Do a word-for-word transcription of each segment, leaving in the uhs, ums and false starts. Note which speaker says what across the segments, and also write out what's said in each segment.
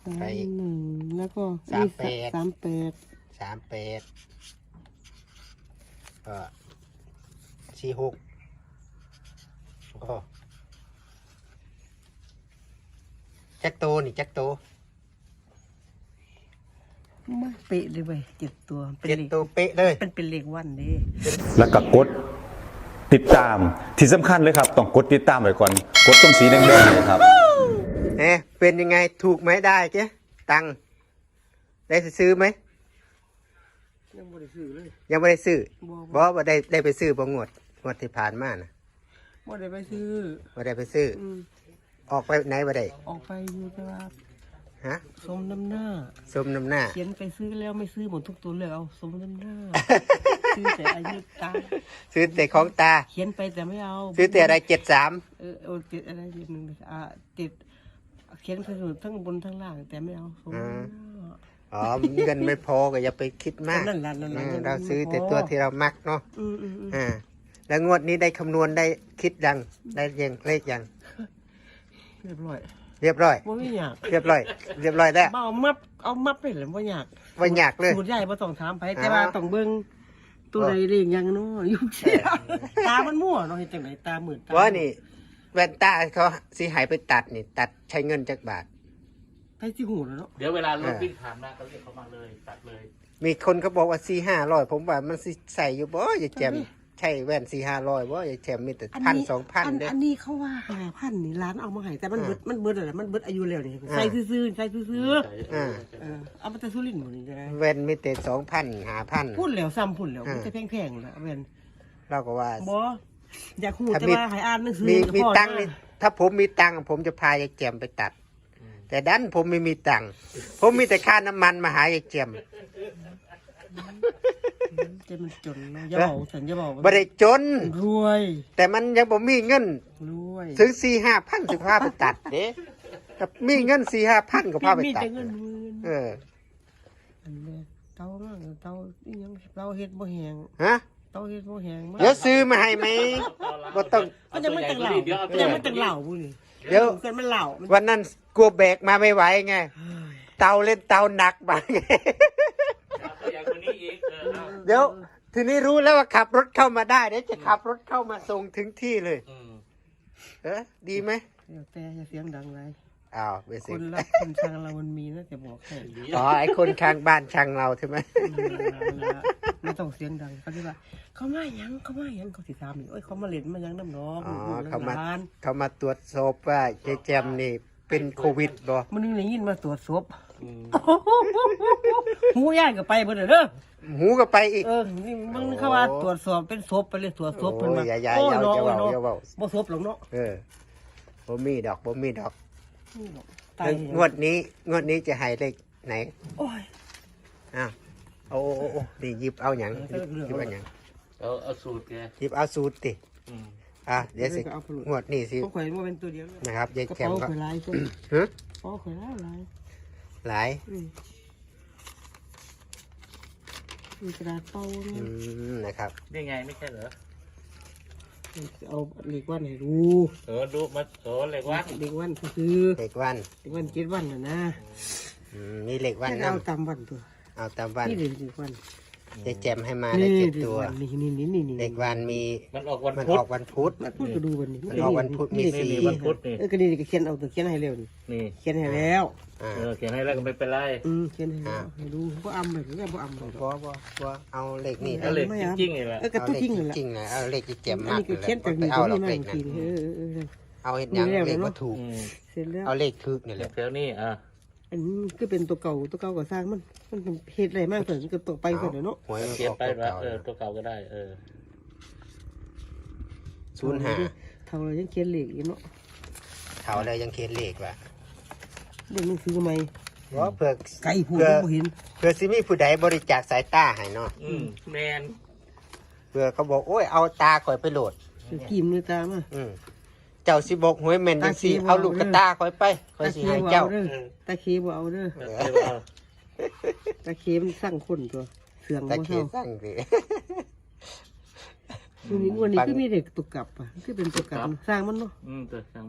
Speaker 1: สามหนึ่งแล้วก็
Speaker 2: สามแปด
Speaker 1: สามแปด
Speaker 2: สามแปดก็สี่หกก็จักโตนี่จักโต
Speaker 1: มาเป๊ะเลยเว้ยเจ็ดตัวเป็น
Speaker 2: เจ็ด
Speaker 1: เลข
Speaker 2: โตเป๊ะเลย
Speaker 1: เป็นเป็นเลขวันเด้
Speaker 3: แล้วก็กดติดตามที่สำคัญเลยครับต้องกดติดตามไว้ก่อนกดตรงสีแดงๆเลยครับ
Speaker 2: เอ๊ะเป็นยังไงถูกไหมได้เจ๊ตังค์ได้ซื้อไหม
Speaker 1: ยังไม่ได้ซื้อเลย
Speaker 2: ยังไม่ได้ซื้อ
Speaker 1: บ่
Speaker 2: บอว่าได้ได้ไปซื้อบ่งวดงวดที่ผ่านมานะ
Speaker 1: ไม่ได้ไปซื้อ
Speaker 2: ว่าได้ไปซื้อ
Speaker 1: อืม
Speaker 2: ออกไปไหนบ่ได้
Speaker 1: ออกไปอยู่ตลาด
Speaker 2: ฮะ
Speaker 1: สมน้ำหน้า
Speaker 2: สมน้ำหน้า
Speaker 1: เขียนไปซื้อแล้วไม่ซื้อหมดทุกตัวเลยเอาสมน้ำหน้า ซื้อแต่อายุตา
Speaker 2: ซื้อแต่ของตา
Speaker 1: เขียนไปแต่ไม่เอา
Speaker 2: ซื้อแต่อะไรเจ็ดสาม
Speaker 1: เออเอาติดอะไรติดหนึ่งอ่าติดเขียนไปสุดทั้งบนทั้งล่างแต่ไม่เอาสมน้ำหน้า
Speaker 2: อ๋อเงินไม่พอก็อย่าไปคิดมาก
Speaker 1: นั่นแหละนั่นแหละ
Speaker 2: อืม
Speaker 1: นั่นแหละ
Speaker 2: เราซื้อแต่
Speaker 1: ไม่พอ
Speaker 2: ตัวที่เรามักเนาะ
Speaker 1: อืมอืมอืม
Speaker 2: อ่าแล้วงวดนี้ได้คำนวณได้คิดยังได้ยังเลขยัง
Speaker 1: เรียบร้อย
Speaker 2: เรียบร้อย
Speaker 1: ว่าไม่อยาก
Speaker 2: เรียบร้อย เรียบร้อยแล้ว
Speaker 1: เอามับเอามับไปเลยว่าอยาก
Speaker 2: ว่าอยากเลย
Speaker 1: สูตรใหญ่บ่ต้องถามไป
Speaker 2: อ่า
Speaker 1: แต่ว่าต้องเบิ่งตัวใดเรียงยังเนาะยุ่งเสียตามันมั่วเนาะเฮ็ดจังไดตาหมื่นตา
Speaker 2: ว่านี่แว่นตาเขาสิหายไปตัดนี่ ตัดใช้เงินจักบาท
Speaker 1: ไปสิหูแล้วเนาะ
Speaker 4: เดี๋ยวเวลารถวิ่งผ่านมาเขาเรียกเขามาเลยตัดเลย
Speaker 2: มีคนเขาบอกว่าสี่ห้าร้อยผมว่ามันสิใส่อยู่บ่อย่าแจมใช่แว่นสี่ห้าร้อยบ่อย่าแจมมีแต่พันสองพันเด้
Speaker 1: อันนี้เขาว่าห้าพันนี่ร้านเอามาให้แต่มันเบิดมันเบิดอะไรมันเบิดอายุแล้วนี่ใส่ซื่อๆใส่ซื่อ
Speaker 2: อ่า
Speaker 1: ๆเออเอามาแต่สุรินทร์หมดนี่ได้
Speaker 2: แว่นมีแต่สองพันห้าพัน
Speaker 1: พูดแล้วซ้ำพูดแล้ว
Speaker 2: อ่า
Speaker 1: มันจะแพงๆแล้วเว้น
Speaker 2: เราก็ว่า
Speaker 1: บ่อยากฮู้
Speaker 2: ถ้า
Speaker 1: แต่
Speaker 2: มี
Speaker 1: ว่าให้อ่านหนังสือ
Speaker 2: มี
Speaker 1: ก็
Speaker 2: มี
Speaker 1: พอ
Speaker 2: ตังค์นี่ถ้าผมมีตังค์ผมจะพายายแจมไปตัด แต่ดันผมไม่มีตังค์ผมมีแต่ค่าน้ำมันมาหายายแจม
Speaker 1: จะมันจนเนาะอย่าบอกสัญญาบอก
Speaker 2: บ่ได้จน
Speaker 1: รวย
Speaker 2: แต่มันยังบ่มีเงิน
Speaker 1: รวย
Speaker 2: ถึงสี่ห้าพันสิพาไปตัดเด้ถ้ามีเงินสี่ห้าพันก็พาไป
Speaker 1: มี
Speaker 2: ตัด
Speaker 1: แต่เงินหมื่น
Speaker 2: เออ
Speaker 1: อันนี้เตามากเตาอีหยังเตาเฮ็ดบ่แหง
Speaker 2: ฮะ
Speaker 1: เตาเฮ็ดบ่แหงมาก
Speaker 2: เดี๋ยวซื้อมาให้ไหมบ่ต้อง
Speaker 1: มันจะไม่ตังเหล่ามันจะไม่ตังเหล่าบุนี่
Speaker 2: เดี๋ยว
Speaker 1: เกินมันเหล่ามัน
Speaker 2: วันนั้นกลัวแบกมาไม่ไหวไง เตาเล่นเตาหนักบางไง
Speaker 4: อย่างคนนี้อีกเออเอา
Speaker 2: เดี๋ยว ทีนี้รู้แล้วว่าขับรถเข้ามาได้เดี๋ยวจะขับรถเข้ามาส่งถึงที่เลย
Speaker 4: อืม
Speaker 2: เออดีไหม
Speaker 1: เดี๋ยวแต่อย่าเสียงดังไร
Speaker 2: อ้าวไป
Speaker 1: ค
Speaker 2: สิ
Speaker 1: นรักคนชังเรามันมีนะจะบอกให้
Speaker 2: อ๋อไอคนข้างบ้านช่างเราใช่ไหม
Speaker 1: ไม่ต้องเสียงดังเขาที่ว่าเขามาหยังเขามาหยังเขาสิถามนี่โอ้ยเขามาเล่นมาหยังน้ำน้อง
Speaker 2: อ๋อ
Speaker 1: ลูก
Speaker 2: เขามา
Speaker 1: หลาน
Speaker 2: เขามาตรวจสอบว่ายายแจมนี่เป็นโควิดบ่
Speaker 1: มันนึงได้ยินมาตรวจศพ
Speaker 4: อืม
Speaker 1: หูย่ายก็ไปเบิดเด้อ
Speaker 2: หูก็ไปอีก
Speaker 1: เออนี่มึงเขาว่าตรวจสอบเป็นศพไปเลยตรวจศพเพิ่นมา
Speaker 2: โอ้ยอย่าอย่า
Speaker 1: โอ้
Speaker 2: อย่า
Speaker 1: เนาะ
Speaker 2: อย่า
Speaker 1: โอ้
Speaker 2: เว้าอย่าเว้า
Speaker 1: บ่ศพหรอกเนาะ
Speaker 2: เออบ่มีดอกบ่มีดอก
Speaker 1: ตาย
Speaker 2: งวดนี้งวดนี้จะให้เลขไหน
Speaker 1: โอ้ย
Speaker 2: อ้าวโอ้โอ้โอ้นี่หยิบเอาหยังหยิบหยิบเอาหยัง
Speaker 4: เอาเอาสูตรแก
Speaker 2: หยิบเอาสูตรติ
Speaker 4: อืม
Speaker 2: อ่ะเดี๋ยวสิงวดนี้สิ
Speaker 1: เขาข่อยว่าเป็นตัวเดียวเลย
Speaker 2: นะครับยาย
Speaker 1: กระ
Speaker 2: แจม
Speaker 1: เป๋า
Speaker 2: ก็
Speaker 1: ข่อยลายคน
Speaker 2: ฮะ
Speaker 1: กระเป๋าข่อยลายลาย
Speaker 2: หลาย
Speaker 1: อืมมีกระดาษเป่า
Speaker 2: อื
Speaker 1: เนี่ย
Speaker 2: มนะครับ
Speaker 4: นี่ไงไม่ใช่เหรอ
Speaker 1: เอาเหล็กวันให้ดู
Speaker 4: เออดูมาโสเหล็กวัด
Speaker 1: เหล็กวันก็คือ
Speaker 2: เลขวัน
Speaker 1: เหล็กวันเจ็ดวันน่ะนะ
Speaker 2: อืมมีเลขวัน
Speaker 1: แค่
Speaker 2: นะ
Speaker 1: เอาตามวันตัว
Speaker 2: เอาตามวัน
Speaker 1: นี่เหล็กวัน
Speaker 2: ยายแจมให้มาได้เจ็ดตัว
Speaker 1: นี่นี่นี่นี่นี่
Speaker 2: เลขวันมี
Speaker 4: มันออกวัน
Speaker 2: มัน
Speaker 4: พุ
Speaker 2: อ
Speaker 4: ธ
Speaker 2: อกวันพุธ
Speaker 1: มันพูดก็ดูวันนี้
Speaker 2: มันออกวันพุธมีสี่
Speaker 4: นี่วันพุธนี่
Speaker 1: เออก็นี่ก็เขียนเอาตัวเขียนให้เร็วนี่
Speaker 4: นี่
Speaker 1: เขียนให้แล้ว
Speaker 2: อ่า
Speaker 4: เออเขียนให้แล้วก็ไม่เป็นไร
Speaker 1: อืมเขียนให้แล้วให้ดูบ่อำเลยก็บ่อำเลย
Speaker 2: บ่บ่บ่เอาเลขนี่
Speaker 4: เอาเหล็กจริงๆนี่แหละ
Speaker 1: เออกระ
Speaker 2: เอา
Speaker 1: ตุ้
Speaker 2: เลข
Speaker 1: จริงเลยล่ะ
Speaker 2: จริงๆนะเอาเลขที่แจม
Speaker 1: อัน
Speaker 2: มาก
Speaker 1: นี้ก็เขียนจาก
Speaker 2: ไป
Speaker 1: นี่
Speaker 2: เอา
Speaker 1: ก็
Speaker 2: หร
Speaker 1: นี่
Speaker 2: อก
Speaker 1: มา
Speaker 2: เลข
Speaker 1: อีก
Speaker 2: นั้
Speaker 1: ที
Speaker 2: น
Speaker 1: เออเออ
Speaker 2: เอาเห็นยัง
Speaker 1: นี่แล้ว
Speaker 2: เลข
Speaker 1: เนอะ
Speaker 2: ว่าถูก
Speaker 4: อืม
Speaker 1: เสร็จแล้ว
Speaker 2: เอาเลขคึกนี่แหละ
Speaker 4: แถวนี้อ่ะ
Speaker 1: อันนี้ก็เป็นตัวเก่าตัวเก่าก็สร้างมันมันเป็นเหตุอะไรมากแต่ก็ตกไปเสร็จแล้วเนาะ
Speaker 2: หวยมัน
Speaker 4: เขีย
Speaker 2: อน อก
Speaker 4: ไป
Speaker 2: ตัว
Speaker 4: ว่า
Speaker 2: เก่า
Speaker 4: เออตัวเก่าก็ได้ เออ
Speaker 2: ศูนย์ห้า
Speaker 1: เท่าไรยังเขียนเหล็กอยู่เนาะ
Speaker 2: เท่าไรยังเขียนเลขว่ะ
Speaker 1: เรื่องหนังสือทำไม
Speaker 2: บ่เพื่อ
Speaker 1: ไก่พูด
Speaker 2: เพื่อ
Speaker 1: ก็เห็น
Speaker 2: เพื่อสิมีผู้ใดบริจาคสายตาให้เนาะ
Speaker 4: อืมแมน
Speaker 2: เพื่อเขาบอกโอ้ยเอาตาข่อยไปโหลด
Speaker 1: คือกิมเลยตามา
Speaker 2: อืมเจ้าสิบอกหวยแม่นจังซี่
Speaker 1: ตาขี้บ่
Speaker 2: เอาลูกกระตาข่อยไปข่อย
Speaker 1: ตา
Speaker 2: สิ
Speaker 1: เคีย
Speaker 2: ให้
Speaker 1: บ่
Speaker 2: เจ้า
Speaker 1: เอาเด้อตาเคียบ่เอาเด้อ
Speaker 4: เออเดี๋ยวเอา
Speaker 1: ตาเคียมันสร้างคนตัวเสื่อง
Speaker 2: ตะ
Speaker 1: บ่
Speaker 2: เคีย
Speaker 1: เท่าน
Speaker 2: สั่งสิ
Speaker 1: วันนี้วันนี้คือมีเด็กตุกกลับอ่ะคือเป็นตุกกลับสร้างมันเนาะ
Speaker 4: อืมตัวช่างมัน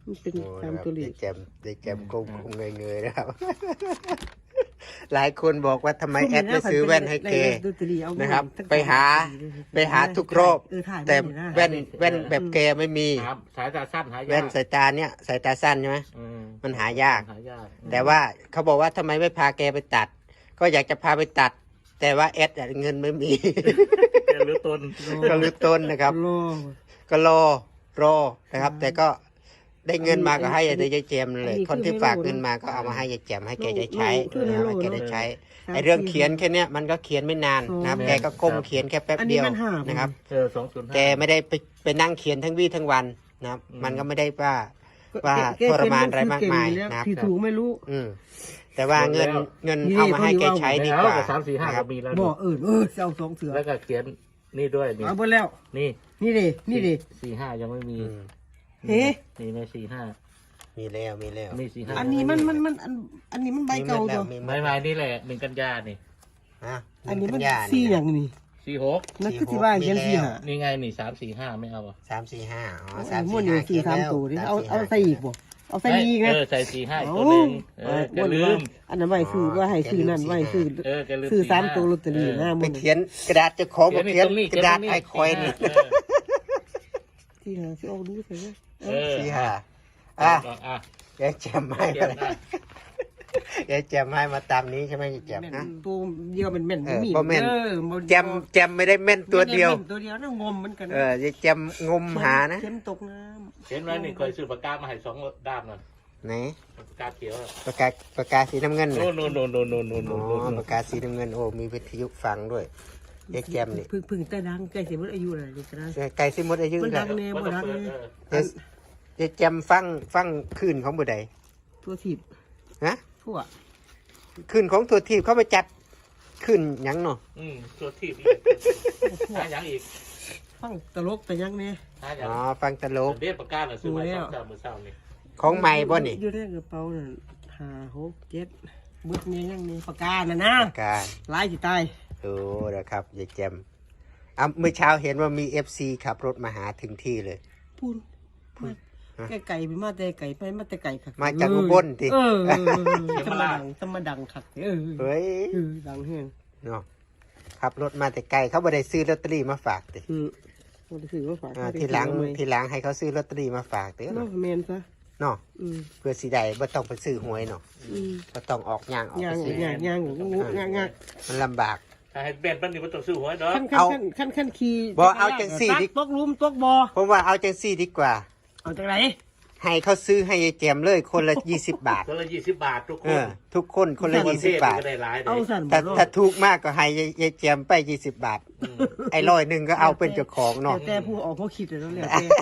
Speaker 1: มันเป็น
Speaker 2: โอ้
Speaker 1: ตาม
Speaker 2: นะครับ
Speaker 1: ตัวเล
Speaker 2: ได้
Speaker 1: ข
Speaker 2: แจมได้แจมกลมๆเงยๆนะครับ หลายคนบอกว่าทำไมแอดไม่ซื้อแว่นให้แกนะครับ ไปหาไปหาทุกรอบแต่แว่นแว่นแบบแกไม่มี
Speaker 4: ครับสายตาสั้นหายาก
Speaker 2: แว่นสายตาเนี่ยสายตาสั้นใช่ไหม
Speaker 4: อืม
Speaker 2: มันหายาก
Speaker 4: หายาก
Speaker 2: แต่ว่าเขาบอกว่าทำไมไม่พาแกไปตัด ก็อยากจะพาไปตัด แต่ว่าแอดอะเงินไม่มี
Speaker 4: แกรู้ตน
Speaker 2: ก็รื้อต้นนะครับ
Speaker 1: รอ
Speaker 2: ก็รอรอนะครับ แต่ก็ได้เงินมาก็ให้ได้ยายแจมเลย คนที่ฝากเงินมาก็เอามาให้ยายแจมให้แกได้ใช้นะครับให้แกได้ใช้ไอเรื่องเขียนแค่เนี้ยมันก็เขียนไม่นานนะครับ แกก็ก้มเขียนแค่แป๊บเดียวนะครับ
Speaker 4: เออสองศูนย์ห้า
Speaker 2: แกไม่ได้ไปไปนั่งเขียนทั้งวี่ทั้งวันนะครับ
Speaker 4: อืม
Speaker 2: มันก็ไม่ได้ว่าว่าทรมานอะไรมากมายนะครับ
Speaker 1: ที่ถูกไม่รู้
Speaker 2: อืมแต่ว่าเงินเงินเอามาให้แกใช้ดีกว่า
Speaker 4: แล้วสามสี่ห้า
Speaker 2: นะค
Speaker 4: ก็
Speaker 2: รับ
Speaker 4: มีแล้ว
Speaker 1: บ่
Speaker 4: นี่
Speaker 1: เออเออเอาสองเสือ
Speaker 4: แล้วก็เขียนนี่ด้วยนี่
Speaker 1: เอาหมดแล้ว
Speaker 4: นี่
Speaker 1: นี่ดินี่ดิ
Speaker 4: สี่ห้ายังไม่มี
Speaker 2: อืม
Speaker 1: เฮ้
Speaker 4: นี่ในสี่ห้า
Speaker 2: มีแล้วมีแล้ว
Speaker 4: มีสี่ห้า
Speaker 1: อันนี้มันมันมันอันอันนี้มันใบเก่า
Speaker 2: มีหมดแล้
Speaker 1: ตัว ว
Speaker 2: มีหม
Speaker 4: ไม่
Speaker 2: ด
Speaker 4: ไม่นี่แหละหนึ่งกันยานี่
Speaker 2: นะ
Speaker 1: อันนี้มัน
Speaker 2: กัญญา
Speaker 1: สี่อย่างนี่
Speaker 4: สี่หก
Speaker 1: นั่นคือที่ว่าเขียนสี่หา
Speaker 4: นี่ไงนี่สามสี่ห้าไม่เอาอ่ะ
Speaker 2: สามสี่ห้าอ๋อ
Speaker 1: เอา
Speaker 2: สาม
Speaker 1: ม้วน
Speaker 2: สี่
Speaker 1: อยู่
Speaker 2: ห้า
Speaker 1: สี่สามตัวดิเอาเอาใส่อีกบ่เอาใส่อีกนะ
Speaker 4: เออใส่สี่ห้าอีก
Speaker 1: เอา
Speaker 4: ตัวหนึ่งเออแก
Speaker 1: ม้วน
Speaker 4: ลื
Speaker 1: ว่าม อันนั้นไว้ซื้อว่าให้ซื้อนั่นไว้ซื้อ
Speaker 4: เออแกลืม
Speaker 1: ซื้อ
Speaker 4: สี่
Speaker 1: สาม
Speaker 4: ห้า
Speaker 1: ตัวลอตเตอรี่นะ
Speaker 2: ไป
Speaker 1: ม้วน
Speaker 2: เขียนกระดาษเจะของบอกเขียน
Speaker 4: ตรงนี้
Speaker 2: กระดาษ
Speaker 4: เขียนตรงนี้
Speaker 2: ไอคอยนี่
Speaker 4: เออ
Speaker 1: ที่หาที่ออกดูใส่ไหม
Speaker 4: เออ
Speaker 2: สี่ห้าอ่ะ
Speaker 4: อ่ะ
Speaker 2: ยายแจมให้
Speaker 4: เขียน
Speaker 2: มา
Speaker 4: ได้
Speaker 2: ยายแจมให้มาตามนี้ใช่ไหมยายแจม
Speaker 1: แม่น
Speaker 2: นะ
Speaker 1: ตัวเดียวเป็นแม่น
Speaker 2: เออ
Speaker 1: มี
Speaker 2: บ่แม่น
Speaker 1: เออบ่
Speaker 2: แจมแจมไม่ได้แม่นตัวเดียว
Speaker 1: แม่นตัวเดียวนะงมเหมือนกัน
Speaker 2: เออยายแจมงมหานะ
Speaker 1: เข็มตกน้
Speaker 4: เขียนไว้นี่เคยซื้อปากกามาให้สองด้ามนั่น
Speaker 2: ไหน
Speaker 4: ปากกาเขียวอะ
Speaker 2: ปากกาปากกาสีน้ำเงิน
Speaker 4: โน่
Speaker 2: น่ะ
Speaker 4: นโน่นโน่นโน่นโน่นโน่น
Speaker 2: อ๋
Speaker 4: โน่น
Speaker 2: อ
Speaker 4: โน่น
Speaker 2: ปากกาสีน้ำเงินโอ้มีวิทยุฟังด้วยยายแจมนี่
Speaker 1: พึ่งพึ่งแต่ดังใกล้สิหมดอายุแล้วนี่ก็ได้
Speaker 2: ไก่สิมดอายุ
Speaker 1: มัน
Speaker 2: กั
Speaker 1: ดั
Speaker 2: น
Speaker 1: งแน่บ่ดังแน่
Speaker 2: ยายยายแจมฟังฟังคืนของบุใด
Speaker 1: ตัวถีบ
Speaker 2: นะ
Speaker 1: ทั่ว
Speaker 2: คืนของตัวทีบเขาไปจัดคืนหยังเนาะ
Speaker 4: อืมตัวที่หาอย่างอีก
Speaker 1: ฟังตลกแต่ยังแน่
Speaker 4: หาอย่าง
Speaker 2: อ๋อฟังตลก
Speaker 4: เรียกปากกาหน่อยซื้อมาสองสามมือเศร้านี่
Speaker 2: ของใหม่บ่นี่
Speaker 1: อยู่ในกระเป๋านั่นห้าหกเจ็ดบึดเนี่ยยังนี่ปากกาน่ะนะ
Speaker 2: ปากกา
Speaker 1: หลายสิตาย
Speaker 2: โอ้นะครับยายแจมอ่ะเมื่อเช้าเห็นว่ามีเอฟซีขับรถมาหาถึงที่เลย
Speaker 1: พูนมาไก่ไก่ไปมาแต่ไก่ไปมาแต่ไก่คัก
Speaker 2: มาจากอุบลติ
Speaker 1: เออธรรมดังธรรมดังคักเออ
Speaker 2: เฮ้ย
Speaker 1: เออดังแห้ง
Speaker 2: เนาะขับรถมาแต่ไกลเขาบ่ได้ซื้อลอตเตอรี่มาฝากติ
Speaker 1: อือบ่ได้ซื้อว่าฝาก
Speaker 2: อ่าทีหลังทีหลังให้เขาซื้อลอตเตอรี่มาฝากเด้อ
Speaker 1: เนาะ
Speaker 2: เนาะ
Speaker 1: แม่นซะ
Speaker 2: เนาะ
Speaker 1: อืม
Speaker 2: เพื่อสิได้บ่ต้องไปซื้อหวยเนาะ
Speaker 1: อืม
Speaker 2: บ่ต้องออกย่างออก
Speaker 1: ย่า
Speaker 2: ไป
Speaker 1: ง
Speaker 2: ซื้อย่าง
Speaker 1: ย่างงูย่างย่าง
Speaker 2: มันลำบาก
Speaker 4: ถ้าให้เบนปั้นนี่มันต้องซื้อหัวดอก
Speaker 1: ขั้น
Speaker 2: เอา
Speaker 1: ขั้นขั้นขั้นขี่
Speaker 2: บ่เอาจังสี่ดิ
Speaker 1: ตกหลุมตกบ่อ
Speaker 2: ผมว่าเอาจังซี่ดีกว่า
Speaker 1: เอาจากไหน
Speaker 2: ให้เขาซื้อให้ยายแจมเลยคนละยี่สิบบาท
Speaker 4: คนละยี่สิบบาททุกค
Speaker 2: เอน อทุกคนคนละยี่สิบบาท
Speaker 4: ก็ได้หลายเล
Speaker 1: เอา
Speaker 4: ย
Speaker 1: สั่น
Speaker 2: แต่
Speaker 1: บ่
Speaker 2: ถ้าถูกมากก็ให้ยายยายแจมไปยี่สิบบาท ไอ้ร้อยหนึ่งก็เอาเป็นเจ้าของเนาะ
Speaker 1: แต่แต่ผู้ออกเขาคิดแล้วแล้วแต่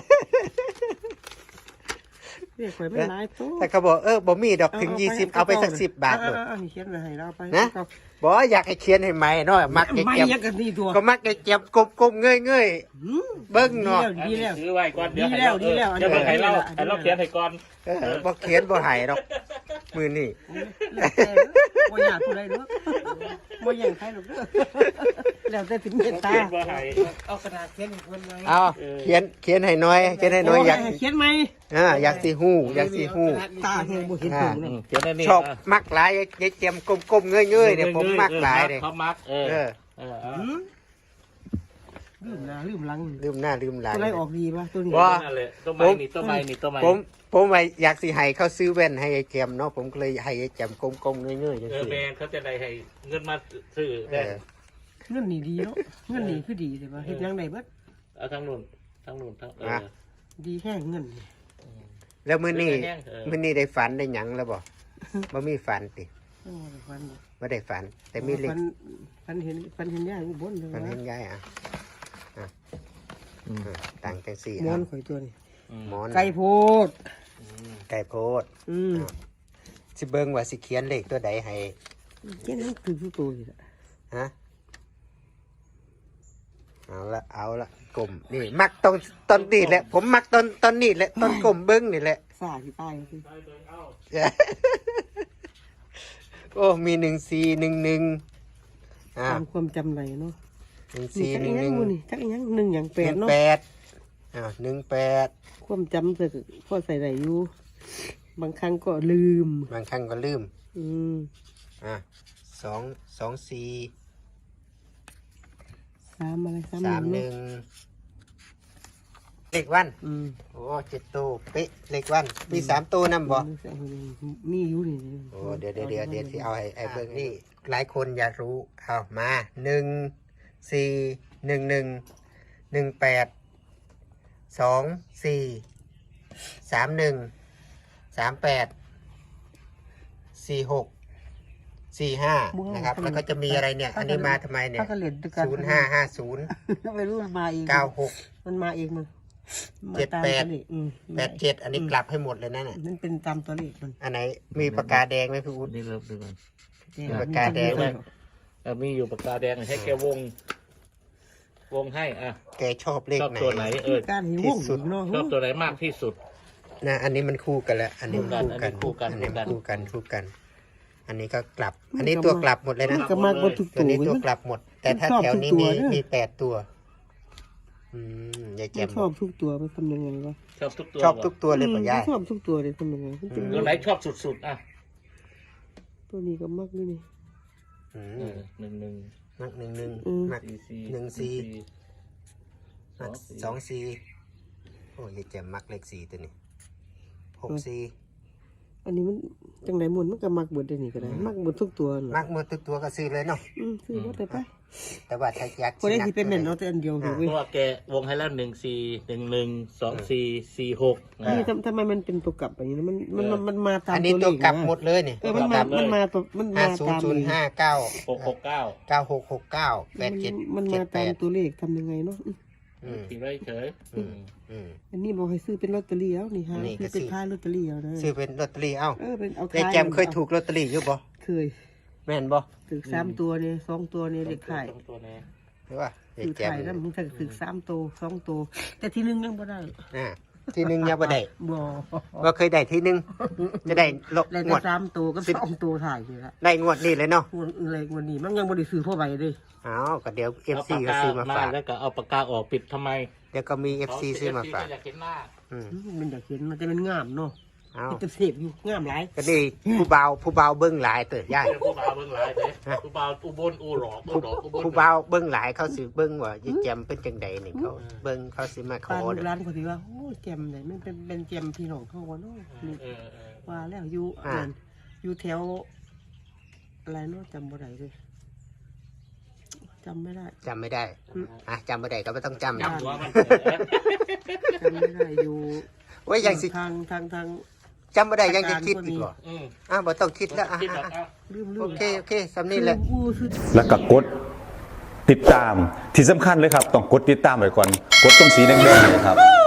Speaker 1: เรียกไว้ไม่หลายตัว
Speaker 2: แต่เขาบอกเออบ่มีดอกถึงยี่สิบเอาไปสักสิบบาท
Speaker 1: เอ
Speaker 2: เลย
Speaker 1: อเออเขียนไว้ให้เราไป
Speaker 2: นะบอกอยากให้เขียนให้ใหม่เนาะมักยาย
Speaker 1: ไม่
Speaker 2: แจม
Speaker 1: อยังกันนี่ตัว
Speaker 2: ก็มักยายแจมกลมๆเงย
Speaker 1: หืม
Speaker 2: ๆเบิ้งเนาะ
Speaker 1: ดีแล้ว
Speaker 4: ซื้อไว้ก่อนเดี๋ยวให้
Speaker 1: ดีแล้วดีแล้ว
Speaker 4: เดี๋ยวให้เรา
Speaker 1: อันนี้
Speaker 4: ให้เราเขียนให้ก่อน
Speaker 2: เออบ่เขียนบ่ให้ดอกมือนี่
Speaker 1: แล้วแต่บ่อยากผู้ใดเนาะบ่อยากใครหรอกเด้อแล้วแต่ถึงเมตตา
Speaker 4: เขียนว่าให้
Speaker 1: เอากระดาษเขียนให้เพิ่นไว้
Speaker 2: เอาเขียนเขียนให้น้อยเขียนให้น้อยอยาก
Speaker 1: เขียนไหม
Speaker 2: อ่าอยากสิฮู้อยากสิฮู้
Speaker 1: ตาแห้งบ่เห็นผง
Speaker 4: อื
Speaker 1: เนาะ
Speaker 4: มเขียนได้นี่
Speaker 2: ชอบมักหลายยายแจมกลมๆเงยๆเนี่ยผมมักหลายเลย
Speaker 4: เขามักเออ
Speaker 2: เออ
Speaker 4: เออเอา
Speaker 1: หืมลืมหน้าลืมหลัง
Speaker 2: ลืมหน้าลืมหลัง
Speaker 1: ตัวไหนออกดีป่ะตัวนี้
Speaker 2: ว่า
Speaker 4: นั่นแหละต้นไม้นี่ต้นไม้นี่ต้นไม้
Speaker 2: ผมผมว่าอยากสิให้เขาซื้อแว่นให้ยายแจมเนาะผมก็เลยให้ยายแจมกลมๆเงยๆจัง
Speaker 4: เออ
Speaker 2: ซี่
Speaker 4: แมนเขาจะได้ให้เงินมาซื้อ
Speaker 2: เอ
Speaker 4: ได้
Speaker 2: อ
Speaker 1: เงินนี่ดีเนาะเงินนี่คือดีเลยป่ะเฮ็ดยังไงเบิด
Speaker 4: เอาทั้งนู่นทั้งนู่นทั้งเออ
Speaker 1: ดีแห้งเงินนี่
Speaker 2: แล้วมื้อนี้
Speaker 4: แห้งเออ
Speaker 2: มื้อนี้ได้ฝันได้หยังแล้วบ่บ่มีฝันติ
Speaker 1: โอ้ยฟัน
Speaker 2: บ่ได้ฝัน แต่มีเล็ก
Speaker 1: ฟันฟันเห็นฟันเห็นย่าอุบลเลย
Speaker 2: ฝัน
Speaker 1: ว่า
Speaker 2: เห็นยายอ่ะอ่ะ
Speaker 4: อืม
Speaker 2: อ่ะต่างจังซี่
Speaker 1: มอน
Speaker 2: อ่ะ
Speaker 1: ข่อยตัวนี้
Speaker 2: หมอน
Speaker 1: ไก่โพด
Speaker 2: ไก่โพด
Speaker 1: อืม
Speaker 2: สิเบิ่งว่าสิเขียนเลขตัวใดให้
Speaker 1: เจ้านั่นคือผู้ตัวอยู่ละ
Speaker 2: ฮะเอาละเอาละกลมนี่มักตอนตอนนี้แหละ ผมมักตอนตอนนี้แหละตอนกลมเบิ้งนี่แหละ
Speaker 1: สาที่ตายคือ
Speaker 2: โอ้มีหนึ่งสี่หนึ่งหนึ่งอ่า
Speaker 1: ตามความจำไหนเนาะ
Speaker 2: หนึ่ง
Speaker 1: นี่
Speaker 2: สี่
Speaker 1: จัก
Speaker 2: ห
Speaker 1: อี
Speaker 2: นึ่ง
Speaker 1: ห
Speaker 2: ห
Speaker 1: ยั
Speaker 2: นึ่
Speaker 1: ง
Speaker 2: ง
Speaker 1: มูนี่จักอีหยังหนึ่งอย่างแป
Speaker 2: ห
Speaker 1: ด
Speaker 2: นึ่ง
Speaker 1: เนาะ
Speaker 2: แปดอ้าวหนึ่งแปด
Speaker 1: ความจำเสกพ่อใส่ไหนอยู่บางครั้งก็ลืม
Speaker 2: บางครั้งก็ลืม
Speaker 1: อืม
Speaker 2: อ่ะสองสองสี่
Speaker 1: สามอะไรสาม
Speaker 2: สาม
Speaker 1: ห
Speaker 2: ห
Speaker 1: นึ่
Speaker 2: นึ่
Speaker 1: ง
Speaker 2: งเลขวัน
Speaker 1: อืม
Speaker 2: โอ้เจ็ดตัวเป๊ะเลขวันมีสามตัวนำบ่
Speaker 1: มีอยู่นี่
Speaker 2: โอ้เดี๋ยวเดี๋ยวเดี๋ยวเดี๋ยวที่เอาให้ไอ้เบิ่งนี่หลายคนอยากรู้เอามาหนึ่งสี่หนึ่งหนึ่งหนึ่งแปดสองสี่สามหนึ่งสามแปดสี่หกสี่ห้านะครับแล้วก็จะมีอะไรเนี่ย อันนี้มาทำไมเนี่ย
Speaker 1: ถ้าก็เหรียญด้วยกัน
Speaker 2: ศูนย์ห้าห้าศูนย์
Speaker 1: ไม่รู้มันมาเอง
Speaker 2: เก้าหก
Speaker 1: มันมาเองมัน
Speaker 2: เจ็ดแปด
Speaker 1: มาตามตัวเลขอืม
Speaker 2: แปดเจ็ดอันนี้กลับให้หมดเลยนั่นน่ะ
Speaker 1: นั่นเป็นตามตัวเลขมัน
Speaker 2: อันไหนมีปากกาแดงไหมพี่อุ๊ด
Speaker 4: นี่เริ่มดูกัน
Speaker 2: มีปากกาแดงไหม
Speaker 4: เออมีอยู่ปากกาแดงให้แกวง วงให้อ่ะ
Speaker 2: แกชอบเลข
Speaker 4: ชอบ
Speaker 2: ไหน
Speaker 4: ตัวไหนเออ
Speaker 1: การหิว
Speaker 2: ที่
Speaker 1: วง
Speaker 2: สุด
Speaker 1: เนาะ
Speaker 4: ชอบตัวไหนมากที่สุด
Speaker 2: นะอันนี้มันคู่กันแล้ว อันนี้
Speaker 4: คู่กัน
Speaker 2: คู่กัน
Speaker 4: อั
Speaker 2: อั
Speaker 4: น
Speaker 2: น
Speaker 4: นี้
Speaker 2: นี้
Speaker 4: คู่
Speaker 2: คู่
Speaker 4: กั
Speaker 2: กัน
Speaker 4: น
Speaker 2: คู่กัน อันนี้ก็กลับ อันนี้ตัวกลับหมดเลย
Speaker 1: มั
Speaker 2: นะ
Speaker 1: นก็มากกว่าทุก
Speaker 2: ตัว
Speaker 1: ตัว
Speaker 2: นี้ตัว
Speaker 1: นะ
Speaker 2: กลับหมด แต่ถ้า
Speaker 1: ชอบ
Speaker 2: แถวนี้
Speaker 1: ทุก
Speaker 2: มี
Speaker 1: ตัวนะ
Speaker 2: มีแปดตัว อืมยายแจ่
Speaker 1: ไม่
Speaker 2: ม
Speaker 1: ชอบทุกตัวไปทำยังไงวะ
Speaker 4: ชอบทุกตัว
Speaker 2: ชอบทุกตัวเลยป่ะยาย
Speaker 1: ไม่ชอบทุกตัวเลยทำยังไงมันจะ
Speaker 4: ตัวไหนชอบสุดๆอ่ะ
Speaker 1: ตัวนี้ก็มักด้วยนี่
Speaker 2: อื
Speaker 4: เอ
Speaker 2: ม
Speaker 4: อหนึ่งหนึ่ง
Speaker 2: มักหนึ่งหนึ่ง
Speaker 1: อืม
Speaker 2: มัก
Speaker 4: สี่สี่
Speaker 2: หนึ่งสี่
Speaker 4: ส
Speaker 2: มั
Speaker 4: อก งสี่
Speaker 2: สองสี่โอ้ยายแจ่มมักเลขสี่ตัวนี้หกสี่
Speaker 1: อันนี้มันจังไหนหมุนมันก็มักเบิดได้นี่ก็ได้มักเบิดทุกตัวน่ะ
Speaker 2: มักหมดทุกตัวก็ซื้อเลยเนาะ
Speaker 1: อืมซื้อบ่ได้ไป
Speaker 2: แต่ว่าถ้าอยาก
Speaker 1: คนได้
Speaker 2: นั
Speaker 1: ที่เป็นเหม็นเอาแต่อันเดียวอยู่
Speaker 4: เพ
Speaker 1: เว้ย
Speaker 4: ราะว่าแกวงให้แล้วหนึ่งสี่หนึ่งหนึ่งสองสี่สี่หก
Speaker 1: นี่ทำทำไมมันเป็นตัวกลับแบบนี้นะมันมันมันมันมาตาม
Speaker 2: อันนี้
Speaker 1: ตัวเล
Speaker 2: ตัว
Speaker 1: ข
Speaker 2: กลับ
Speaker 1: นะ
Speaker 2: หมดเลยนี่
Speaker 1: เออมันมามันมาตัวมัน
Speaker 2: ห้า
Speaker 1: มา
Speaker 2: ศูน
Speaker 1: ตา
Speaker 2: ย์
Speaker 1: ม
Speaker 2: ศูนย์ห้าเก้า
Speaker 4: หกหกเก้า
Speaker 2: เก้าหกหกเก้าแปดเจ็ด
Speaker 1: มัน
Speaker 2: เจ็
Speaker 1: มา
Speaker 2: ดแป
Speaker 1: ตาม
Speaker 2: ด
Speaker 1: ตัวเลขทำยังไงเนาะอืม
Speaker 2: อืม
Speaker 4: ตีไว้เฉย
Speaker 2: อืมอืม
Speaker 1: อันนี้บอกให้ซื้อเป็นลอตเตอรี่แล้วนี่ฮะ
Speaker 2: นี่ก็
Speaker 1: ซื้อเป็น
Speaker 2: ซื้อ
Speaker 1: ค่ายลอตเตอรี่เอานะ
Speaker 2: ซื้อเป็นลอตเตอรี่เอ้า
Speaker 1: เออเป็นเอา
Speaker 2: ยาย
Speaker 1: ขาย
Speaker 2: แจมเคยถูกลอตเตอรี่อยู่บ่
Speaker 1: เคย
Speaker 2: แม่นบ่
Speaker 1: ถือสามตัวเนี่ยสองตัวเนี่ยเด็กขาย
Speaker 4: ตัวนี้
Speaker 2: หรือว่ายาย
Speaker 1: ถือ
Speaker 2: แจม
Speaker 1: ขายแล้วมึงจะถือสามตัวสองตัวแต่ทีนึงยังบ่ได้
Speaker 2: อ่าที่หนึ่งยังบ่ได้
Speaker 1: บ่
Speaker 2: ว่าเคยได้ที่หนึ่งจะได้ลบ
Speaker 1: ได้
Speaker 2: ง
Speaker 1: แต่
Speaker 2: วด
Speaker 1: สามตัวก็สองตัวถ่ายนี่ละ
Speaker 2: ได้งวดนี้เลยเนาะ
Speaker 1: งวดอะไรงวดนี้มันยังบ่ได้ซื้อพ่อใบเลย
Speaker 2: อ้าวก็เดี๋ยว
Speaker 4: เอา
Speaker 2: เอฟ
Speaker 4: ปา
Speaker 2: ซี
Speaker 4: ก
Speaker 2: ก็
Speaker 4: กา
Speaker 2: ซื้อมา
Speaker 4: มา
Speaker 2: ฝาก
Speaker 4: แล้วก็เอาปากกาออกปิดทำไม
Speaker 2: เดี๋ยวก็มีเอฟซีซื้อมาฝาก
Speaker 4: อยากเห็นหน้า
Speaker 2: อืม
Speaker 1: มันอยากเห็นมันจะเป็นงามเนาะ
Speaker 2: เอ้า
Speaker 1: มันจะเสพอยู่งามหลาย
Speaker 2: ก็นี่ผู้เบาผู้เบาเบิ้งหลายเติบย่าย
Speaker 4: ผู้บ่าวเบิ่งหลายเลยผู้บ่าวอุบลอูหลอกอู
Speaker 2: ผู้
Speaker 4: หลอกอุบล
Speaker 2: ผู้เบาเบิ้งหลายเขาสิเบิ้งว่ายายแจมเป็นจังใดนี่เขาเบิ้งเขาสิมาข
Speaker 1: ปา
Speaker 2: อน
Speaker 1: ลู
Speaker 2: เด้
Speaker 1: ก
Speaker 2: อ
Speaker 1: ร้านเขาสิว่าโอ้ยแจมไหนมันเป็นเป็นแจมพี่น้องเขาวะเนาะนี่
Speaker 4: เออเออ
Speaker 1: ว่าแล้วอยู่นั่นอยู่แถวอะไรเนาะจำบ่ได้เลยจำไม่ได้
Speaker 2: จำไม่ได้อ่ะจำไม่ได้ก็ไม่ต้องจำ
Speaker 4: จำหัวมัน
Speaker 1: จำไม่ได้อยู่
Speaker 2: โอ้ยยังสิ
Speaker 1: ทางทางทาง
Speaker 2: จำไม่ได้ยังจะคิดอีกเหรอ
Speaker 4: อืม
Speaker 2: อ่ะบ่ต้องคิดแล้วอ่ะ
Speaker 4: คิด
Speaker 2: อ่ะ
Speaker 4: แบบ
Speaker 2: อ่ะ
Speaker 4: อ่ะ
Speaker 1: ลืมลื
Speaker 2: โอ
Speaker 1: ม
Speaker 2: เคโอเคสำนี้แหละ
Speaker 1: อู้คือ
Speaker 3: แล้วก็กดติดตามที่สำคัญเลยครับ ต้องกดติดตามไว้ก่อน กดตรงสีแดงๆเนยครับ